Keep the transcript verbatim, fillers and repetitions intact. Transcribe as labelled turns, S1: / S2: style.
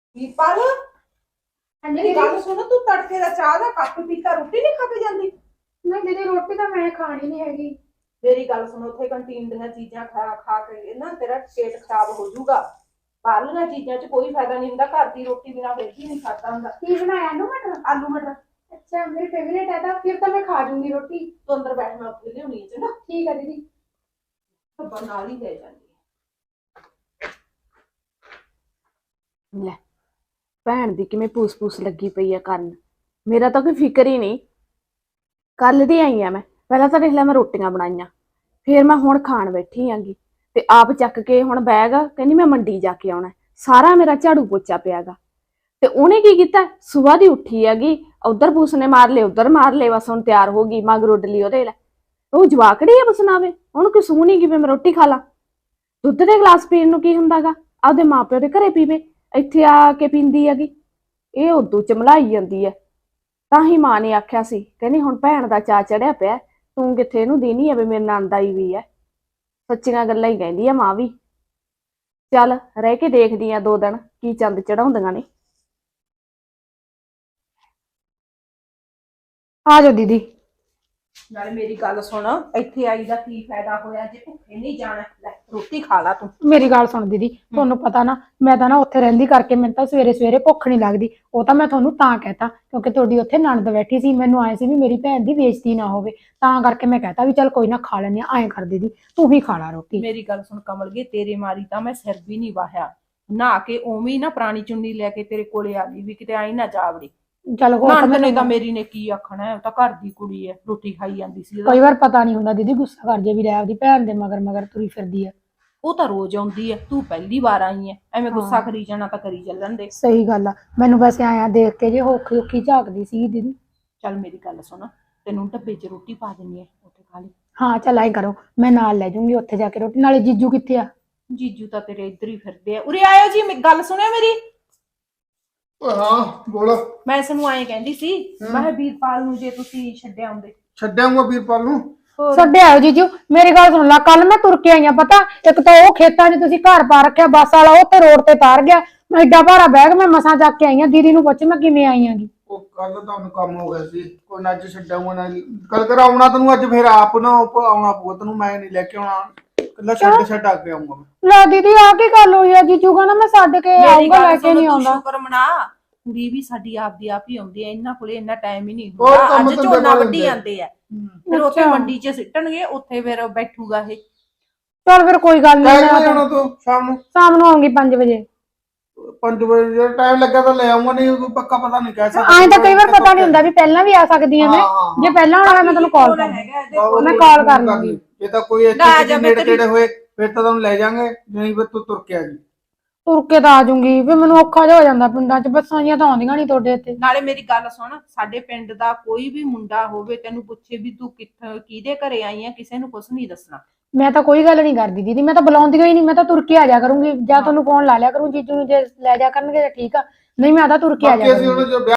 S1: ਵੀਰਪਾਲ ਮੇਰੀ ਗੱਲ ਸੁਣ, ਤੂੰ ਤੜਕੇ ਦਾ ਚਾਹ ਦਾ ਕੱਪ ਪੀਤਾ ਰੋਟੀ ਨਹੀਂ ਖਾ ਕੇ ਜਾਂਦੀ?
S2: ਨਹੀਂ ਦੀਦੀ ਰੋਟੀ ਤਾਂ ਮੈਂ ਖਾਣੀ ਨਹੀਂ ਹੈਗੀ।
S1: ਮੇਰੀ ਗੱਲ ਸੁਣ, ਉੱਥੇ ਕੰਟੀਨ ਦੀਆਂ ਚੀਜ਼ਾਂ ਖਾ ਖਾ ਕੇ ਨਾ ਤੇਰਾ ਪੇਟ ਖਰਾਬ ਹੋ ਜਾਊਗਾ। ਬਾਹਰਲੀਆਂ ਚੀਜ਼ਾਂ 'ਚ ਕੋਈ ਫਾਇਦਾ ਨਹੀਂ ਹੁੰਦਾ, ਘਰ ਦੀ ਰੋਟੀ ਬਿਨਾਂ ਫਿਰ ਵੀ ਨਹੀਂ ਖਾਦਾ ਹੁੰਦਾ।
S2: ਕੀ ਬਣਾਇਆ? ਆਲੂ ਮਟਰ।
S1: ਆਲੂ ਮਟਰ
S2: ਅੱਛਾ ਮੇਰੀ ਫੇਵਰੇਟ ਹੈ, ਤਾਂ ਫਿਰ ਤਾਂ ਮੈਂ ਖਾ ਜੂੰਗੀ ਰੋਟੀ।
S1: ਤੂੰ ਅੰਦਰ ਬੈਠ, ਮੈਂ ਉੱਥੇ ਲਿਆਉਣੀ ਹੈ ਚੰਗਾ।
S2: ਠੀਕ ਹੈ ਦੀਦੀ।
S1: ਤਾਂ ਨਾਲ ਹੀ ਲੈ ਜਾਂਦੀ
S3: ਲੈ ਭੈਣ ਦੀ ਕਿਵੇਂ ਪੂਸ ਪੂਸ ਲੱਗੀ ਪਈ ਆ ਕਰਨ। ਮੇਰਾ ਤਾਂ ਕੋਈ ਫਿਕਰ ਹੀ ਨਹੀਂ। ਕੱਲ ਦੀ ਆਈ ਆ ਮੈਂ, ਪਹਿਲਾਂ ਤਾਂ ਦੇਖ ਲੈ ਮੈਂ ਰੋਟੀਆਂ ਬਣਾਈਆਂ, ਫਿਰ ਮੈਂ ਹੁਣ ਖਾਣ ਬੈਠੀ ਆਂਗੀ ਤੇ ਆਪ ਚੱਕ ਕੇ ਹੁਣ ਬੈਗ ਕਹਿੰਦੀ ਮੈਂ ਮੰਡੀ ਜਾ ਕੇ ਆਉਣਾ। ਸਾਰਾ ਮੇਰਾ ਝਾੜੂ ਪੋਚਾ ਪਿਆਗਾ ਤੇ ਉਹਨੇ ਕੀ ਕੀਤਾ, ਸੁਬਾਹ ਦੀ ਉੱਠੀ ਹੈਗੀ, ਉਧਰ ਪੂਸ ਨੇ ਮਾਰ ਲਏ ਉਧਰ ਮਾਰ ਲਏ, ਬਸ ਹੁਣ ਤਿਆਰ ਹੋ ਗਈ ਮਗਰ ਉੱਡ ਲਈ ਉਹਦੇ। ਲੈ ਉਹ ਜਵਾਕੜੀ ਆ ਬਸਨਾਵੇ, ਉਹਨੂੰ ਕਿ ਸੂਹ ਨਹੀਂ ਕਿ ਮੈਂ ਰੋਟੀ ਖਾ ਲਾਂ। ਦੁੱਧ ਦੇ ਗਲਾਸ ਪੀਣ ਨੂੰ ਕੀ ਹੁੰਦਾਗਾ, ਆਪਦੇ ਮਾਂ ਪਿਓ ਦੇ ਘਰੇ ਪੀਵੇ, ਇੱਥੇ ਆ ਕੇ ਪੀਂਦੀ ਹੈਗੀ। ਇਹ ਉਦੋਂ ਚਮਲਾਈ ਜਾਂਦੀ ਹੈ। ਤਾਂ ਹੀ ਮਾਂ ਨੇ ਆਖਿਆ ਸੀ, ਕਹਿੰਦੀ ਹੁਣ ਭੈਣ ਦਾ ਚਾ ਚੜਿਆ ਪਿਆ, ਤੂੰ ਕਿੱਥੇ ਇਹਨੂੰ ਦੇਣੀ ਆ ਵੀ ਮੇਰੇ ਨਣਦ ਆਈ ਵੀ ਹੈ। ਸੱਚੀਆਂ ਗੱਲਾਂ ਹੀ ਕਹਿੰਦੀ ਆ ਮਾਂ ਵੀ। ਚੱਲ ਰਹਿ ਕੇ ਦੇਖਦੀ ਆ ਦੋ ਦਿਨ ਕੀ ਚੰਦ ਚੜਾਉਂਦੀਆਂ ਨੇ।
S2: ਆ ਜਾਓ ਦੀਦੀ।
S1: ਨਾਲੇ ਮੇਰੀ ਗੱਲ ਸੁਣ, ਇੱਥੇ ਆਈ ਦਾ ਕੀ ਫਾਇਦਾ ਹੋਇਆ ਜੇ ਭੁੱਖੇ ਨਹੀਂ ਜਾਣਾ? ਲੈ ਰੋਟੀ ਖਾ ਲਾ ਤੂੰ।
S2: ਮੇਰੀ ਗੱਲ ਸੁਣ ਦੀਦੀ, ਤੁਹਾਨੂੰ ਪਤਾ ਨਾ ਮੈਂ ਤਾਂ ਨਾ ਉੱਥੇ ਰਹਿੰਦੀ ਕਰਕੇ ਮੈਨੂੰ ਤਾਂ ਸਵੇਰੇ ਸਵੇਰੇ ਭੁੱਖ ਨਹੀਂ ਲੱਗਦੀ। ਉਹ ਤਾਂ ਮੈਂ ਤੁਹਾਨੂੰ ਤਾਂ ਕਹਿਤਾ ਕਿਉਂਕਿ ਤੁਹਾਡੀ ਉੱਥੇ ਨਣਦ ਬੈਠੀ ਸੀ, ਮੈਨੂੰ ਆਏ ਸੀ ਵੀ ਮੇਰੀ ਭੈਣ ਦੀ ਬੇਇੱਜ਼ਤੀ ਨਾ ਹੋਵੇ, ਤਾਂ ਕਰਕੇ ਮੈਂ ਕਹਿਤਾ ਵੀ ਚੱਲ ਕੋਈ ਨਾ ਖਾ ਲੈਂਦੇ ਆ। ਐਂ ਕਰ ਦੀਦੀ ਤੂੰ ਹੀ ਖਾ ਲਾ ਰੋਟੀ।
S1: ਮੇਰੀ ਗੱਲ ਸੁਣ ਕਮਲਗੇ, ਤੇਰੇ ਮਾਰੀ ਤਾਂ ਮੈਂ ਸਿਰ ਵੀ ਨਹੀਂ ਵਾਹਿਆ, ਨਹਾ ਕੇ ਉਵੇਂ ਹੀ ਨਾ ਪੁਰਾਣੀ ਚੁੰਨੀ ਲੈ ਕੇ ਤੇਰੇ ਕੋਲੇ ਆ ਗਈ ਵੀ ਕਿਤੇ ਆਈ ਨਾ ਜਾਵੜੀ।
S2: ਚੱਲ ਹੋਰ
S1: ਨਣਦ ਨੇ ਤਾਂ ਮੇਰੀ ਨੇ ਕੀ ਆਖਣਾ ਹੈ, ਉਹ ਤਾਂ ਘਰ ਦੀ ਕੁੜੀ ਹੈ, ਰੋਟੀ ਖਾਈ ਜਾਂਦੀ ਸੀ।
S2: ਕਈ ਵਾਰ ਪਤਾ ਨਹੀਂ ਹੁੰਦਾ ਦੀਦੀ, ਗੁੱਸਾ ਕਰ ਜੇ ਵੀ ਲੈ ਆਪਦੀ ਭੈਣ ਦੇ ਮਗਰ ਮਗਰ ਤੁਰੀ ਫਿਰਦੀ ਆ।
S1: ਉਹ ਤਾਂ ਰੋਜ਼ ਆਉਂਦੀ ਹੈ, ਤੂੰ ਪਹਿਲੀ ਵਾਰ ਆਈ ਹੈ, ਐਵੇਂ ਗੁੱਸਾ ਕਰੀ ਜਾਣਾ ਤਾਂ ਕਰੀ ਚੱਲਣ ਦੇ।
S2: ਸਹੀ ਗੱਲ ਆ, ਮੈਨੂੰ ਵੈਸੇ ਆਇਆ ਦੇਖ ਕੇ ਜੇ ਔਖੀ ਔਖੀ ਝਾਕਦੀ ਸੀ ਦੀਦੀ।
S1: ਚੱਲ ਮੇਰੀ ਗੱਲ ਸੁਣ, ਤੈਨੂੰ ਡੱਬੇ 'ਚ ਰੋਟੀ ਪਾ ਦਿੰਨੀ ਹੈ, ਉੱਥੇ ਖਾ ਲਈ।
S2: ਹਾਂ ਚੱਲ ਐਂ ਕਰੋ, ਮੈਂ ਨਾਲ ਲੈ ਜਾਊਂਗੀ ਉੱਥੇ ਜਾ ਕੇ ਰੋਟੀ। ਨਾਲੇ ਜੀਜੂ ਕਿੱਥੇ ਆ?
S1: ਜੀਜੂ ਤਾਂ ਤੇਰੇ ਇੱਧਰ ਹੀ ਫਿਰਦੇ ਆ। ਉਰੇ ਆਇਓ ਜੀ, ਮੇਰੀ ਗੱਲ ਸੁਣਿਓ ਮੇਰੀ।
S4: ਹਾਂ ਬੋਲ।
S1: ਮੈਂ ਇਸ ਨੂੰ ਐਂ ਕਹਿੰਦੀ ਸੀ, ਮੈਂ ਕਿਹਾ ਵੀਰਪਾਲ ਨੂੰ ਜੇ ਤੁਸੀਂ ਛੱਡਿਆ ਆਉਂਦੇ।
S4: ਛੱਡਿਆਂਗਾ ਵੀਰਪਾਲ ਨੂੰ।
S2: ਛੱਡੇ ਆਓ ਜੀਜੂ। ਮੇਰੀ ਗੱਲ ਸੁਣ ਲਾ, ਕੱਲ ਮੈਂ ਤੁਰ ਕੇ ਆਈਆਂ, ਪਤਾ ਇੱਕ ਤਾਂ ਉਹ ਖੇਤਾਂ 'ਚ ਤੁਸੀਂ ਘਰ ਪਾ ਰੱਖਿਆ ਬੱਸ ਵਾਲਾ, ਉਹ ਤੇ ਰੋਡ ਤੇ ਤਾਰ ਗਿਆ। ਮੈਂ ਏਡਾ ਭਾਰਾ ਬੈਗ ਮੈਂ ਮਸਾਂ ਚੱਕ ਕੇ ਆਈਆਂ। ਦੀਦੀ ਨੂੰ ਪੁੱਛ ਮੈਂ ਕਿਵੇਂ ਆਈ ਆਂਗੀ।
S4: ਉਹ ਕੱਲ ਤੁਹਾਨੂੰ ਕੰਮ ਹੋ ਗਿਆ ਸੀ, ਕੋਈ ਨਾ ਅੱਜ ਛੱਡਾਂਗਾ ਨਾ। ਕੱਲ ਕਰ ਆਉਣਾ ਤੈਨੂੰ ਅੱਜ, ਫਿਰ ਆਪ ਨਾ ਆਉਣਾ ਪਊ ਤੈਨੂੰ, ਮੈਂ ਨਹੀਂ ਲੈ ਕੇ ਆਉਣਾ। ਕੱਲਾ ਛੱਡ ਛੱਡ ਆ ਕੇ ਆਉਂਗਾ ਮੈਂ।
S2: ਲੈ ਦੀਦੀ ਆ ਕੀ ਗੱਲ ਹੋਈ ਆ? ਜੀਜੂ ਕਹਿੰਦਾ ਮੈਂ ਛੱਡ ਕੇ ਆਉਂਗਾ, ਲੈ ਕੇ ਨਹੀਂ ਆਉਂਦਾ।
S1: ਸ਼ੁਕਰ ਮਨਾ, ਕੁੜੀ ਵੀ ਸਾਡੀ ਆਪਦੀ ਆਪ ਹੀ ਆਉਂਦੀ ਹੈ, ਇਹਨਾਂ ਕੋਲੇ ਇੰਨਾ ਟਾਈਮ ਹੀ ਨਹੀਂ
S4: ਹੋਰ
S1: ਹੁੰਦਾ।
S4: ਕੰਮ
S1: ਅੱਜ
S4: ਧੰਦੇ
S1: ਝੋਨਾ
S4: ਕਰ
S1: ਵੱਢੀ
S4: ਲੈਂਦੇ।
S1: ਜਾਂਦੇ ਆ, ਫਿਰ ਉੱਥੇ ਮੰਡੀ 'ਚ ਸਿੱਟਣਗੇ, ਉੱਥੇ ਫਿਰ ਬੈਠੂਗਾ ਇਹ।
S2: ਚੱਲ ਫਿਰ ਕੋਈ ਗੱਲ ਨਹੀਂ,
S4: ਟਾਈਮ ਆਉਣਾ ਤੂੰ ਸ਼ਾਮ ਨੂੰ
S2: ਸ਼ਾਮ ਨੂੰ ਆਉਂਗੀ ਪੰਜ ਵਜੇ।
S4: ਪੰਜ ਵਜੇ ਜੇ ਟਾਈਮ ਲੱਗਾ ਤਾਂ ਲੈ ਆਉਂਗਾ, ਨਹੀਂ ਕੋਈ ਪੱਕਾ ਪਤਾ ਨਹੀਂ ਕਹਿ ਸਕਦਾ।
S2: ਐਂ ਤਾਂ ਕਈ ਵਾਰ ਪਤਾ ਨਹੀਂ ਹੁੰਦਾ ਵੀ ਪਹਿਲਾਂ ਵੀ ਆ ਸਕਦੀ ਆ ਮੈਂ। ਜੇ ਪਹਿਲਾਂ ਆਉਣਾ ਮੈਂ ਤੈਨੂੰ ਕਾਲ ਕਰ ਮੈਂ ਕਾਲ ਕਰ ਲੂੰਗੀ।
S4: ਜੇ ਤਾਂ ਕੋਈ ਇੱਥੇ ਨੇੜੇ ਤੇੜੇ ਹੋਏ ਫਿਰ ਤਾਂ ਤੁਹਾਨੂੰ ਲੈ ਜਾਾਂਗੇ, ਨਹੀਂ ਫਿਰ ਤੂੰ ਤੁਰ ਕੇ ਆ ਜੀ।
S2: ਤੁਰ ਕੇ ਤਾਂ ਆ ਜਾਊਂਗੀ, ਫਿਰ ਮੈਨੂੰ ਔਖਾ ਜਿਹਾ ਹੋ ਜਾਂਦਾ ਪਿੰਡਾਂ 'ਚ, ਬੱਸਾਂ ਜੀਆਂ ਤਾਂ ਆਉਂਦੀਆਂ ਨਹੀਂ ਤੁਹਾਡੇ ਇੱਥੇ।
S1: ਨਾਲੇ ਮੇਰੀ ਗੱਲ ਸੁਣ, ਸਾਡੇ ਪਿੰਡ ਦਾ ਕੋਈ ਵੀ ਮੁੰਡਾ ਹੋਵੇ ਤੈਨੂੰ ਪੁੱਛੇ ਵੀ ਤੂੰ ਕਿੱਥੇ ਕਿਹਦੇ ਘਰੇ ਆਈ ਆ, ਕਿਸੇ ਨੂੰ ਕੁਝ ਨਹੀਂ ਦੱਸਣਾ।
S2: ਮੈਂ ਤਾਂ ਕੋਈ ਗੱਲ ਨਹੀਂ ਕਰਦੀ ਦੀਦੀ, ਮੈਂ ਤਾਂ ਬੁਲਾਉਂਦੀ ਹੀ ਨਹੀਂ, ਮੈਂ ਤਾਂ ਤੁਰ ਕੇ ਆ ਜਾ ਕਰੂੰਗੀ। ਜਾਂ ਤੁਹਾਨੂੰ ਫੋਨ ਲਾ ਲਿਆ ਕਰੂੰ ਜੀਜੂ ਨੂੰ, ਜੇ ਲੈ ਜਾ ਕਰਨਗੇ ਤਾਂ ਠੀਕ ਆ, ਨਹੀਂ ਮੈਂ ਤਾਂ ਤੁਰ ਕੇ ਆ ਜਾ ਕਰੂੰਗੀ।